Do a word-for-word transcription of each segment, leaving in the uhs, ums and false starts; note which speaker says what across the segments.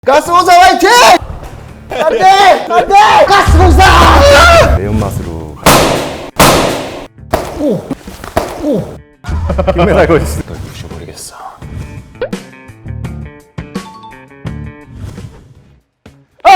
Speaker 1: 가스공사 화이팅! 안돼! 안돼! 가스공사!
Speaker 2: 매운맛으로
Speaker 1: 오! 오!
Speaker 2: 금메달 걸렸어.
Speaker 1: 널 부셔버리겠어. 아!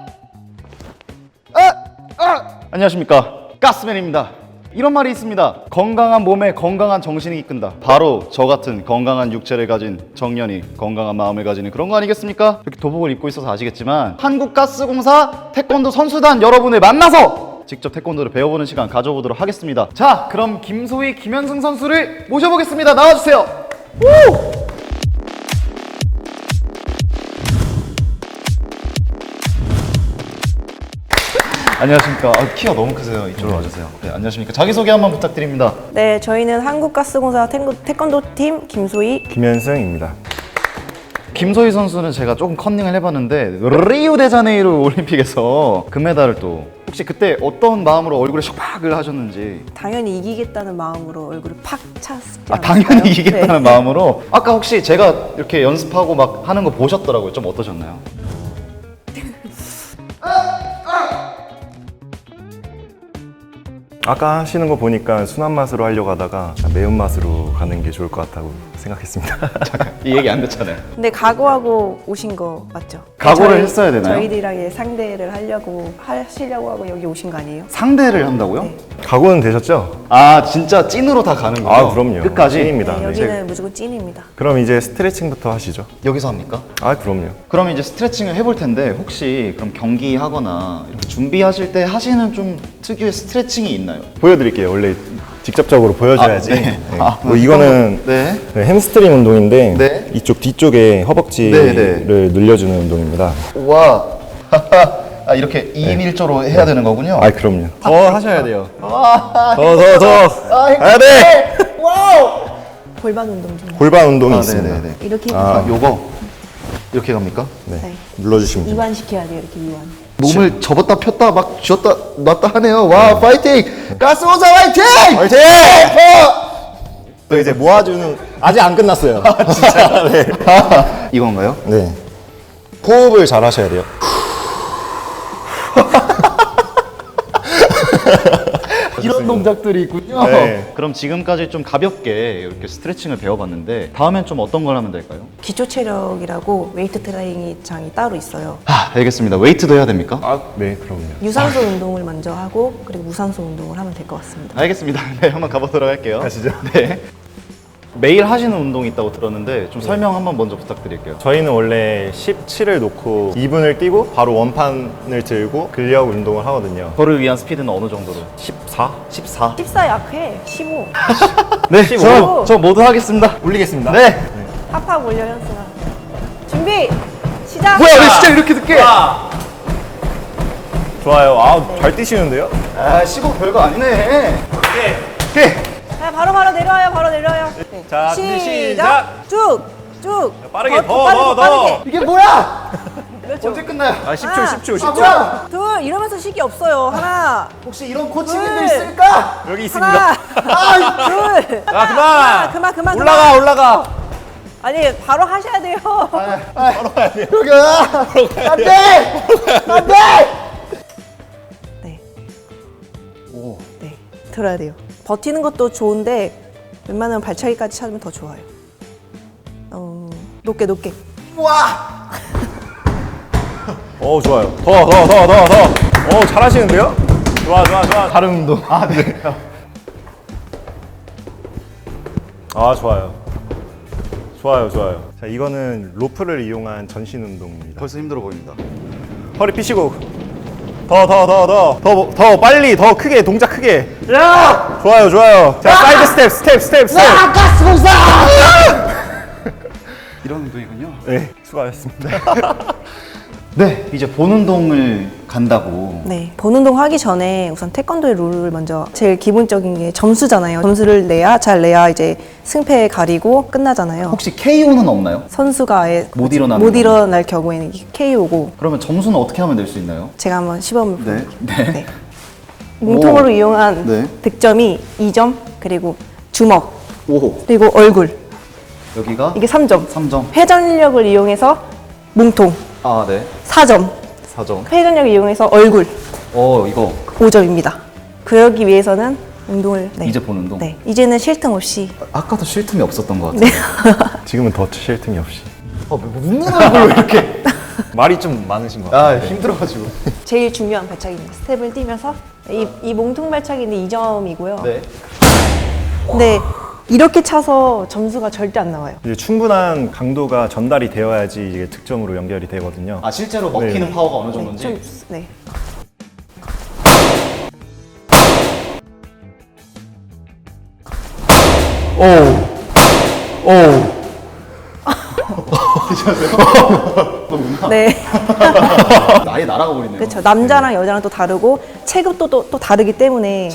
Speaker 1: 아! 아! 안녕하십니까, 가스맨입니다. 이런 말이 있습니다. 건강한 몸에 건강한 정신이 이끈다. 바로 저 같은 건강한 육체를 가진 정년이 건강한 마음을 가지는 그런 거 아니겠습니까? 이렇게 도복을 입고 있어서 아시겠지만 한국가스공사 태권도 선수단 여러분을 만나서 직접 태권도를 배워보는 시간 가져보도록 하겠습니다. 자, 그럼 김소희, 김현승 선수를 모셔보겠습니다. 나와주세요. 우! 안녕하십니까. 아, 키가 너무 크세요. 이쪽으로 와주세요. 네, 안녕하십니까. 자기소개 한번 부탁드립니다.
Speaker 3: 네, 저희는 한국가스공사 태권도팀 김소희.
Speaker 2: 김현승입니다.
Speaker 1: 김소희 선수는 제가 조금 컨닝을 해봤는데 리우데자네이루 올림픽에서 금메달을 또, 혹시 그때 어떤 마음으로 얼굴에 샥박을 하셨는지.
Speaker 3: 당연히 이기겠다는 마음으로 얼굴을 팍 찼지
Speaker 1: 아,
Speaker 3: 않았어요?
Speaker 1: 당연히 이기겠다는
Speaker 3: 네.
Speaker 1: 마음으로. 아까 혹시 제가 이렇게 연습하고 막 하는 거 보셨더라고요. 좀 어떠셨나요?
Speaker 2: 아까 하시는 거 보니까 순한 맛으로 하려고 하다가 매운맛으로 가는 게 좋을 것 같다고 생각했습니다.
Speaker 1: 잠깐, 이 얘기 안 됐잖아요.
Speaker 3: 근데 각오하고 오신 거 맞죠?
Speaker 1: 각오를
Speaker 3: 저희-
Speaker 1: 했어야 되나요?
Speaker 3: 저희들이랑 상대를 하려고 하시려고 하고 여기 오신 거 아니에요?
Speaker 1: 상대를 한다고요?
Speaker 3: 네.
Speaker 2: 각오는 되셨죠?
Speaker 1: 아, 진짜 찐으로 다 가는 거죠?
Speaker 2: 아, 그럼요.
Speaker 1: 끝까지?
Speaker 2: 찐입니다.
Speaker 3: 네,
Speaker 2: 네.
Speaker 3: 여기는 무조건 찐입니다.
Speaker 2: 그럼 이제 스트레칭부터 하시죠.
Speaker 1: 여기서 합니까?
Speaker 2: 아, 그럼요.
Speaker 1: 그럼 이제 스트레칭을 해볼 텐데, 혹시 그럼 경기하거나 이렇게 준비하실 때 하시는 좀 특유의 스트레칭이 있나요?
Speaker 2: 보여드릴게요. 원래 직접적으로 보여줘야지.
Speaker 1: 아, 네.
Speaker 2: 네.
Speaker 1: 아,
Speaker 2: 뭐 이거는
Speaker 1: 네.
Speaker 2: 네, 햄스트링 운동인데
Speaker 1: 네.
Speaker 2: 이쪽 뒤쪽에 허벅지를
Speaker 1: 네, 네.
Speaker 2: 늘려주는 운동입니다.
Speaker 1: 와, 아, 이렇게 이 인 일 조로 해야 되는 거군요.
Speaker 2: 아, 그럼요. 더 하셔야 돼요.
Speaker 1: 와,
Speaker 2: 더, 더, 더.
Speaker 1: 아,
Speaker 2: 해야 돼!
Speaker 1: 와우!
Speaker 3: 골반 운동 좀.
Speaker 2: 골반 운동이
Speaker 1: 아,
Speaker 2: 있습니다.
Speaker 1: 네네네.
Speaker 3: 이렇게
Speaker 1: 아, 요거 이렇게 갑니까?
Speaker 2: 네.
Speaker 3: 네.
Speaker 2: 눌러주시면 됩니다.
Speaker 3: 이완 시켜야 돼요. 이렇게 이완.
Speaker 1: 몸을 접었다 폈다 막 쥐었다 놨다 하네요. 와, 파이팅! 가스공사 화이팅!
Speaker 2: 화이팅!
Speaker 1: 어!
Speaker 2: 또 이제 모아주는 아직 안 끝났어요. 진짜. 네.
Speaker 1: 아, 이건가요?
Speaker 2: 네. 호흡을 잘 하셔야 돼요.
Speaker 1: 이런 동작들이 있군요.
Speaker 2: 네.
Speaker 1: 그럼 지금까지 좀 가볍게 이렇게 스트레칭을 배워봤는데, 다음엔 좀 어떤 걸 하면 될까요?
Speaker 3: 기초 체력이라고 웨이트 트레이닝장이 따로 있어요.
Speaker 1: 아, 알겠습니다. 웨이트도 해야 됩니까?
Speaker 2: 아, 네, 그럼요.
Speaker 3: 유산소 운동을 먼저 하고 그리고 무산소 운동을 하면 될 것 같습니다.
Speaker 1: 알겠습니다. 네, 한번 가보도록 할게요.
Speaker 2: 가시죠.
Speaker 1: 네. 매일 하시는 운동이 있다고 들었는데 좀 설명 한번 먼저 부탁드릴게요.
Speaker 2: 저희는 원래 십칠을 놓고 이 분을 뛰고 바로 원판을 들고 근력 운동을 하거든요.
Speaker 1: 저를 위한 스피드는 어느 정도로?
Speaker 2: 십사?
Speaker 1: 십사.
Speaker 3: 십사 약해. 십오.
Speaker 1: 네,
Speaker 2: 십오.
Speaker 1: 저, 저 모두 하겠습니다.
Speaker 2: 올리겠습니다.
Speaker 1: 네.
Speaker 3: 팍팍 올려 현승아. 준비 시작.
Speaker 1: 뭐야, 왜 진짜 이렇게 늦게?
Speaker 2: 좋아요. 아, 잘 뛰시는데요?
Speaker 1: 아, 십오 별거 아니네. 오케이.
Speaker 3: 자, 바로 바로 내려와요. 바로 내려와요. 네.
Speaker 2: 자, 준비 시작.
Speaker 3: 쭉 쭉.
Speaker 2: 빠르게, 더,
Speaker 3: 빠르게,
Speaker 2: 더, 더.
Speaker 3: 빠르게.
Speaker 1: 이게 뭐야?
Speaker 3: 그렇죠.
Speaker 1: 언제 끝나요?
Speaker 2: 아, 십 초,
Speaker 3: 하나,
Speaker 2: 십 초, 십
Speaker 1: 아,
Speaker 2: 초.
Speaker 1: 뭐야?
Speaker 3: 둘 이러면서 시기 없어요. 하나
Speaker 1: 혹시 이런 코치님들
Speaker 3: 둘.
Speaker 1: 있을까?
Speaker 2: 여기 있습니다.
Speaker 3: 하나
Speaker 1: 아,
Speaker 3: 둘.
Speaker 2: 아, 그만!
Speaker 3: 하나, 그만 그만
Speaker 2: 올라가,
Speaker 3: 그만.
Speaker 2: 올라가.
Speaker 3: 아니 바로 하셔야 돼요.
Speaker 2: 바로 가야 돼요.
Speaker 1: 여기야. 안 돼! 안 돼!
Speaker 3: 네.
Speaker 1: 오.
Speaker 3: 네. 들어야 돼요. 버티는 것도 좋은데 웬만하면 발차기까지 찾으면 더 좋아요. 어, 높게 높게.
Speaker 1: 와!
Speaker 2: 어, 좋아요. 더, 더, 더, 더, 더. 어, 잘하시는데요? 좋아, 좋아, 좋아.
Speaker 1: 다른 운동. 아, 네.
Speaker 2: 아, 좋아요. 좋아요, 좋아요. 자, 이거는 로프를 이용한 전신 운동입니다.
Speaker 1: 벌써 힘들어 보입니다.
Speaker 2: 허리 피시고 더, 더, 더, 더, 더, 더 빨리, 더 크게, 동작 크게.
Speaker 1: 야!
Speaker 2: 좋아요, 좋아요. 자, 사이드 스텝, 스텝, 스텝, 스텝.
Speaker 1: 아, 가스공사! 이런 운동이군요.
Speaker 2: 네, 수고하셨습니다.
Speaker 1: 네, 이제 본 운동을 간다고.
Speaker 3: 네. 본 운동 하기 전에 우선 태권도의 룰을 먼저 제일 기본적인 게 점수잖아요. 점수를 내야 잘 내야 이제 승패 가리고 끝나잖아요.
Speaker 1: 혹시 케이오는 없나요?
Speaker 3: 선수가 아예
Speaker 1: 못 일어나는
Speaker 3: 못
Speaker 1: 거는?
Speaker 3: 일어날 경우에는 케이오고
Speaker 1: 그러면 점수는 어떻게 하면 낼 수 있나요?
Speaker 3: 제가 한번 시범을
Speaker 1: 네.
Speaker 3: 보여드릴게요.
Speaker 1: 네.
Speaker 3: 몸통으로
Speaker 1: 오.
Speaker 3: 이용한
Speaker 1: 네.
Speaker 3: 득점이 이 점 그리고 주먹
Speaker 1: 오.
Speaker 3: 그리고 얼굴
Speaker 1: 여기가
Speaker 3: 이게 삼 점.
Speaker 1: 삼 점.
Speaker 3: 회전력을 이용해서 몸통
Speaker 1: 아, 네.
Speaker 3: 사 점.
Speaker 1: 사 점.
Speaker 3: 회전력을 이용해서 얼굴
Speaker 1: 어, 이거
Speaker 3: 오 점입니다. 그러기 위해서는 운동을 네.
Speaker 1: 이제 본 운동.
Speaker 3: 네. 이제는 쉴 틈 없이
Speaker 1: 아까도 쉴 틈이 없었던 것 같아요.
Speaker 2: 지금은 더 쉴 틈이 없이.
Speaker 1: 아, 웃는 얼굴로 이렇게.
Speaker 2: 말이 좀 많으신 것 같아요.
Speaker 1: 아, 힘들어가지고.
Speaker 3: 제일 중요한 발차기입니다. 스텝을 뛰면서 이, 이 몸통 발차기인데 이 점이고요.
Speaker 1: 네.
Speaker 3: 근데 이렇게 차서 점수가 절대 안 나와요.
Speaker 2: 이제 충분한 강도가 전달이 되어야지 이게 득점으로 연결이 되거든요.
Speaker 1: 아, 실제로 먹히는
Speaker 2: 네.
Speaker 1: 파워가 어느 정도인지.
Speaker 3: 좀 네.
Speaker 1: 오. 오.
Speaker 3: 네.
Speaker 1: 아예 날아가 버리네요.
Speaker 3: 그렇죠. 남자랑 여자랑 또 다르고 체급도 또, 또 다르기 때문에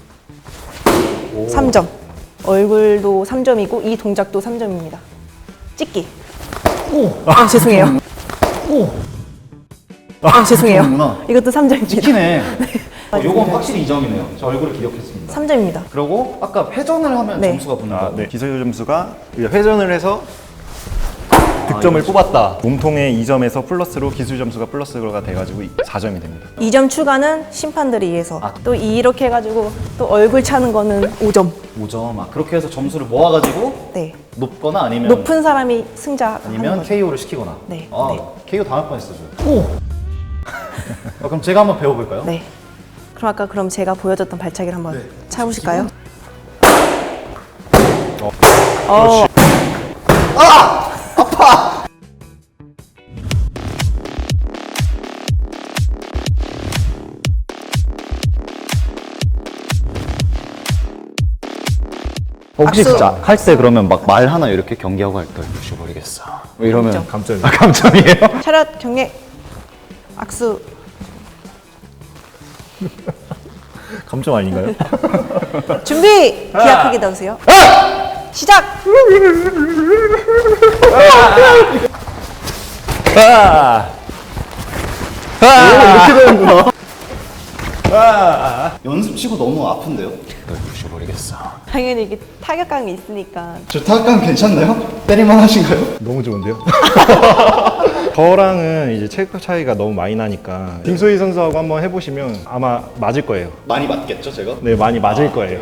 Speaker 3: 삼 점. 얼굴도 삼 점이고 이 동작도 삼 점입니다. 찍기.
Speaker 1: 오.
Speaker 3: 아, 죄송해요.
Speaker 1: 오.
Speaker 3: 아, 죄송해요.
Speaker 1: 그러는구나.
Speaker 3: 이것도 삼 점입니다.
Speaker 1: 찍히네. 어, 요건 확실히 이 점이네요. 저 얼굴을 기억했습니다.
Speaker 3: 삼 점입니다.
Speaker 1: 그리고 아까 회전을 하면
Speaker 3: 네.
Speaker 1: 점수가 붙는
Speaker 2: 아,
Speaker 1: 거.
Speaker 2: 네. 기술 점수가 회전을 해서 득점을 뽑았다. 몸통의 이 점에서 플러스로 기술 점수가 플러스가 돼가지고 사 점이 됩니다.
Speaker 3: 이 점 추가는 심판들에 의해서
Speaker 1: 아.
Speaker 3: 또 이렇게 해가지고 또 얼굴 차는 거는 오 점.
Speaker 1: 오 점. 아, 그렇게 해서 점수를 모아가지고
Speaker 3: 네.
Speaker 1: 높거나 아니면
Speaker 3: 높은 사람이 승자
Speaker 1: 아니면
Speaker 3: 하는 거죠.
Speaker 1: 케이오를 시키거나.
Speaker 3: 네.
Speaker 1: 아,
Speaker 3: 네.
Speaker 1: 케이오 당할 뻔했어 저. 오. 아, 그럼 제가 한번 배워볼까요?
Speaker 3: 네. 그럼 아까 그럼 제가 보여줬던 발차기를 한번
Speaker 1: 네.
Speaker 3: 차보실까요?
Speaker 2: 어.
Speaker 3: 어.
Speaker 1: 혹시
Speaker 3: 악수.
Speaker 1: 진짜 할 때 그러면 막 말 하나 이렇게 경기하고 할 때 부셔버리겠어. 뭐 이러면
Speaker 3: 감점.
Speaker 2: 감점이.
Speaker 1: 아, 감점이에요?
Speaker 3: 차렷 경례 악수.
Speaker 2: 감점 아닌가요?
Speaker 3: 준비! 기합 크게 넣으세요. 시작!
Speaker 2: 아!
Speaker 1: 오, 이렇게 되는구나. 연습 치고 너무 아픈데요? 널 부셔버리겠어.
Speaker 3: 당연히 이게 타격감이 있으니까.
Speaker 1: 저 타격감 괜찮나요? 때릴만 하신가요?
Speaker 2: 너무 좋은데요? 저랑은 이제 체급 차이가 너무 많이 나니까 김소희 선수하고 한번 해보시면 아마 맞을 거예요.
Speaker 1: 많이 맞겠죠, 제가?
Speaker 2: 네, 많이 맞을 거예요.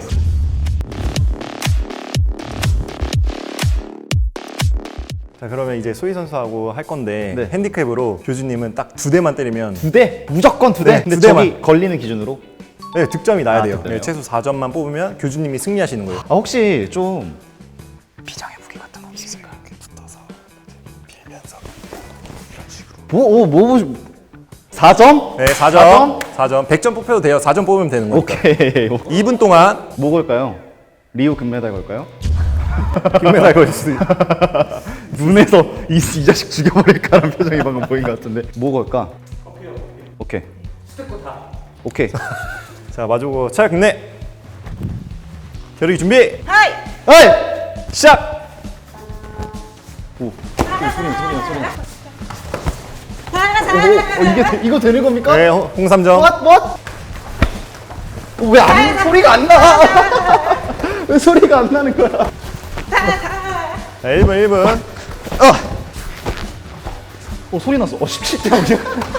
Speaker 2: 자, 그러면 이제 소희 선수하고 할 건데
Speaker 1: 네.
Speaker 2: 핸디캡으로 교주님은 딱 두 대만 때리면
Speaker 1: 두 대? 무조건 두 대?
Speaker 2: 네,
Speaker 1: 근데
Speaker 2: 두
Speaker 1: 저기
Speaker 2: 대만.
Speaker 1: 걸리는 기준으로?
Speaker 2: 네, 득점이 나야
Speaker 1: 아,
Speaker 2: 돼요.
Speaker 1: 득점이요?
Speaker 2: 네, 최소 사 점만 뽑으면 교주님이 승리하시는 거예요.
Speaker 1: 아, 혹시 좀 비장의 무기 같은 거 없으실까요?
Speaker 2: 붙어서 빌면서 이런 식으로.
Speaker 1: 뭐, 오, 뭐, 뭐, 사 점?
Speaker 2: 네, 사 점. 사 점. 백 점 뽑혀도 돼요. 사 점 뽑으면 되는 거니까.
Speaker 1: 오케이.
Speaker 2: 이 분 동안
Speaker 1: 뭐 걸까요? 리우 금메달 걸까요?
Speaker 2: 금메달 걸 수도 있
Speaker 1: 눈에서 이, 이 자식 죽여버릴까라는 표정이 방금 보인 것 같은데 뭐 걸까? 오케이 스텝 다 오케이
Speaker 2: 자, 마주고 차렷 경례. 겨루기 준비.
Speaker 3: 하이!
Speaker 1: 에이!
Speaker 2: 시작.
Speaker 1: 오 소리 소리 소리 소리 오, 어, 이게 되- 이거 되는 겁니까?
Speaker 2: 네, 홍- 홍삼점.
Speaker 1: What? What? 왜 안 소리가 안 나? 왜 소리가 안 나는 거야?
Speaker 2: 자, 일 분 일 분.
Speaker 1: 어 소리 났어. 어 십칠 대 영이야.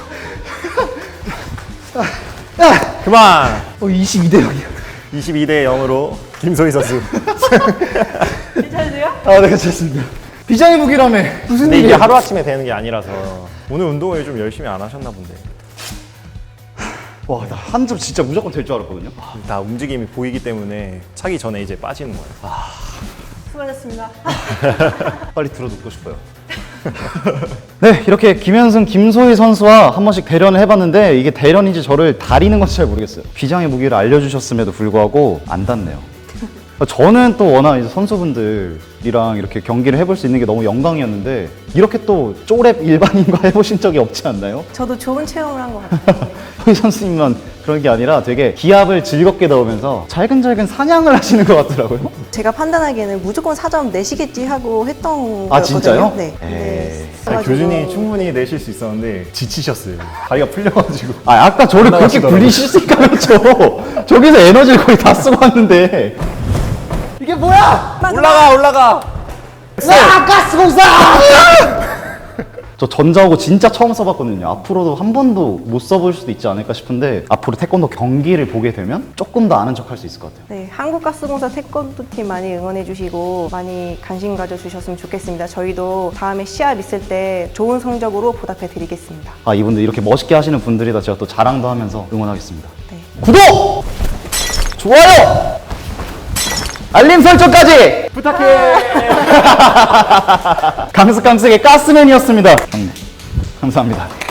Speaker 2: 그만.
Speaker 1: 어 이십이 대 영이야.
Speaker 2: 이십이 대 영으로 김소희 선수.
Speaker 3: 괜찮으세요?
Speaker 1: 아, 네, 괜찮습니다. 비장의 무기라며. 무슨
Speaker 2: 근데 이게
Speaker 1: 일이야?
Speaker 2: 하루아침에 되는 게 아니라서 오늘 운동을 좀 열심히 안 하셨나 본데.
Speaker 1: 와, 나 한 점 진짜 무조건 될 줄 알았거든요.
Speaker 2: 다 움직임이 보이기 때문에 차기 전에 이제 빠지는 거예요.
Speaker 3: 수고하셨습니다.
Speaker 1: 빨리 들어눕고 싶어요. 네, 이렇게 김현승, 김소희 선수와 한 번씩 대련을 해봤는데 이게 대련인지 저를 다리는 건지 잘 모르겠어요. 비장의 무기를 알려주셨음에도 불구하고 안 닿네요. 저는 또 워낙 이제 선수분들이랑 이렇게 경기를 해볼 수 있는 게 너무 영광이었는데 이렇게 또 쪼랩 일반인과 해보신 적이 없지 않나요?
Speaker 3: 저도 좋은 체험을 한 것 같아요.
Speaker 1: 소희 선수님만 그런 게 아니라 되게 기합을 즐겁게 넣으면서 잘근잘근 사냥을 하시는 것 같더라고요.
Speaker 3: 제가 판단하기에는 무조건 사 점 내시겠지 하고 했던
Speaker 1: 아,
Speaker 3: 거였거든요.
Speaker 1: 진짜요?
Speaker 3: 네.
Speaker 1: 에이.
Speaker 3: 네.
Speaker 2: 아니,
Speaker 3: 그래가지고
Speaker 2: 교준이 충분히 내실 수 있었는데 지치셨어요. 다리가 풀려가지고.
Speaker 1: 아, 아까 저를 그렇게
Speaker 2: 올라가시더라고요.
Speaker 1: 굴리실 수 있다면서 저기서 에너지를 거의 다 쓰고 왔는데 이게 뭐야?
Speaker 2: 올라가 올라가.
Speaker 1: 와, 가스공사! 저 전자호구 진짜 처음 써봤거든요. 앞으로도 한 번도 못 써볼 수도 있지 않을까 싶은데 앞으로 태권도 경기를 보게 되면 조금 더 아는 척 할 수 있을 것 같아요.
Speaker 3: 네, 한국가스공사 태권도 팀 많이 응원해주시고 많이 관심 가져주셨으면 좋겠습니다. 저희도 다음에 시합 있을 때 좋은 성적으로 보답해드리겠습니다.
Speaker 1: 아, 이분들 이렇게 멋있게 하시는 분들이다 제가 또 자랑도 하면서 응원하겠습니다.
Speaker 3: 네.
Speaker 1: 구독! 좋아요! 알림 설정까지 부탁해! 강스강스의 가스맨이었습니다. 감사합니다.